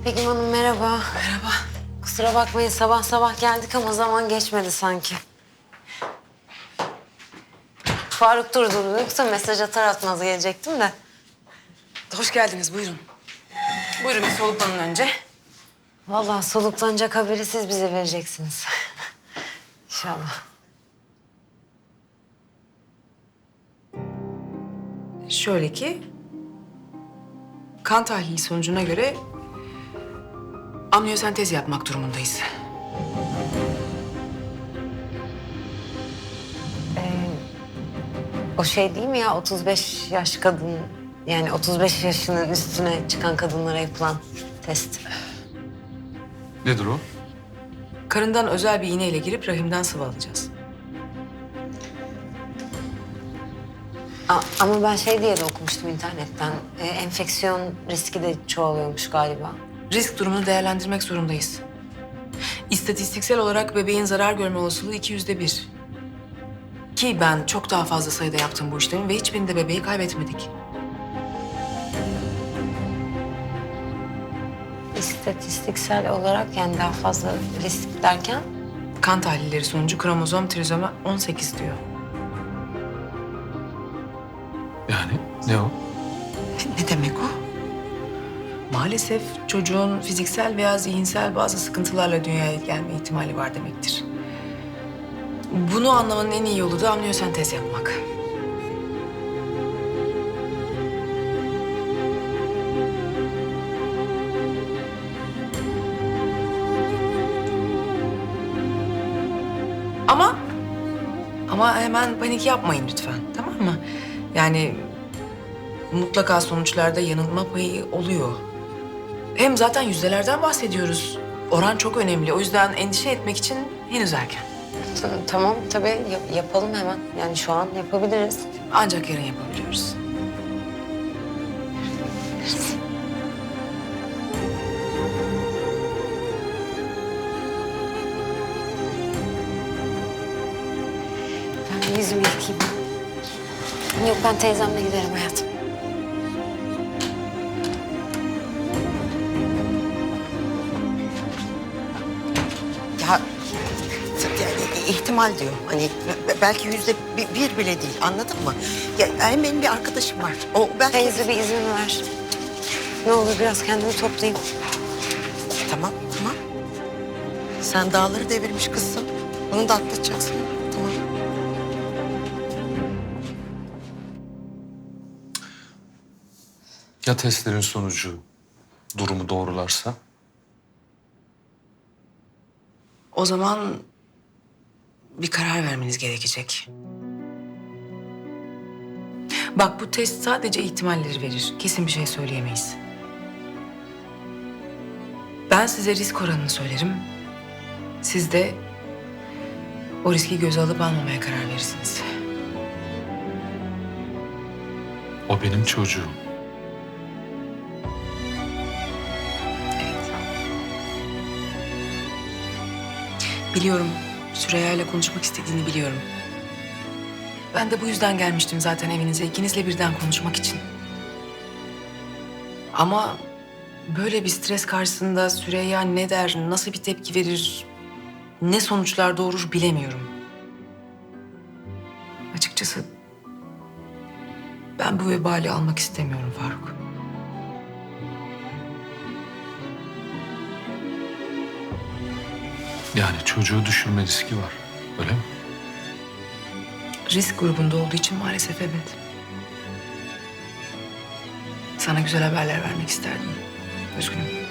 Begüm Hanım merhaba. Merhaba. Kusura bakmayın sabah sabah geldik ama zaman geçmedi sanki. Faruk durdu. Yoksa mesaj atar atmaz gelecektim de. Hoş geldiniz, buyurun. Buyurun bir soluklanın önce. Vallahi soluklanacak haberi siz bize vereceksiniz. İnşallah. Şöyle ki... kan tahlili sonucuna göre... amniyosentez yapmak durumundayız. O şey değil mi ya 35 yaş kadın... Yani 35 yaşının üstüne çıkan kadınlara yapılan test. Nedir o? Karından özel bir iğneyle girip rahimden sıvı alacağız. Ama ben şey diye de okumuştum internetten. Enfeksiyon riski de çoğalıyormuş galiba. Risk durumunu değerlendirmek zorundayız. İstatistiksel olarak bebeğin zarar görme olasılığı 200'de 1. Ki ben çok daha fazla sayıda yaptım bu işlemi ve hiçbirinde bebeği kaybetmedik. İstatistiksel olarak yani daha fazla risk derken? Kan tahlilleri sonucu kromozom trizoma 18 diyor. Yani ne o? Ne demek o? Maalesef çocuğun fiziksel veya zihinsel bazı sıkıntılarla dünyaya gelme ihtimali var demektir. Bunu anlamanın en iyi yolu da amniyosentez yapmak. Ama hemen panik yapmayın lütfen, tamam mı? Yani mutlaka sonuçlarda yanılma payı oluyor. Hem zaten yüzdelerden bahsediyoruz. Oran çok önemli. O yüzden endişe etmek için henüz erken. Tamam tabii yapalım hemen. Yani şu an yapabiliriz. Ancak yarın yapabiliyoruz. Ben bir yüzümü yıkayayım. Yok ben teyzemle giderim hayatım. Ya yani ihtimal diyor. Hani belki %1 bile değil. Anladın mı? Ya hem benim bir arkadaşım var. O belki... Teyze bir izin ver. Ne olur biraz kendimi toplayayım. Tamam, tamam. Sen dağları devirmiş kızsın. Onu da atlatacaksın. Tamam. Ya testlerin sonucu durumu doğrularsa? O zaman bir karar vermeniz gerekecek. Bak bu test sadece ihtimalleri verir. Kesin bir şey söyleyemeyiz. Ben size risk oranını söylerim. Siz de o riski göze alıp almamaya karar verirsiniz. O benim çocuğum. Biliyorum. Süreyya ile konuşmak istediğini biliyorum. Ben de bu yüzden gelmiştim zaten evinize. İkinizle birden konuşmak için. Ama böyle bir stres karşısında Süreyya ne der, nasıl bir tepki verir, ne sonuçlar doğurur bilemiyorum. Açıkçası ben bu vebali almak istemiyorum Faruk. Yani çocuğu düşürme riski var. Öyle mi? Risk grubunda olduğu için maalesef evet. Sana güzel haberler vermek isterdim. Üzgünüm.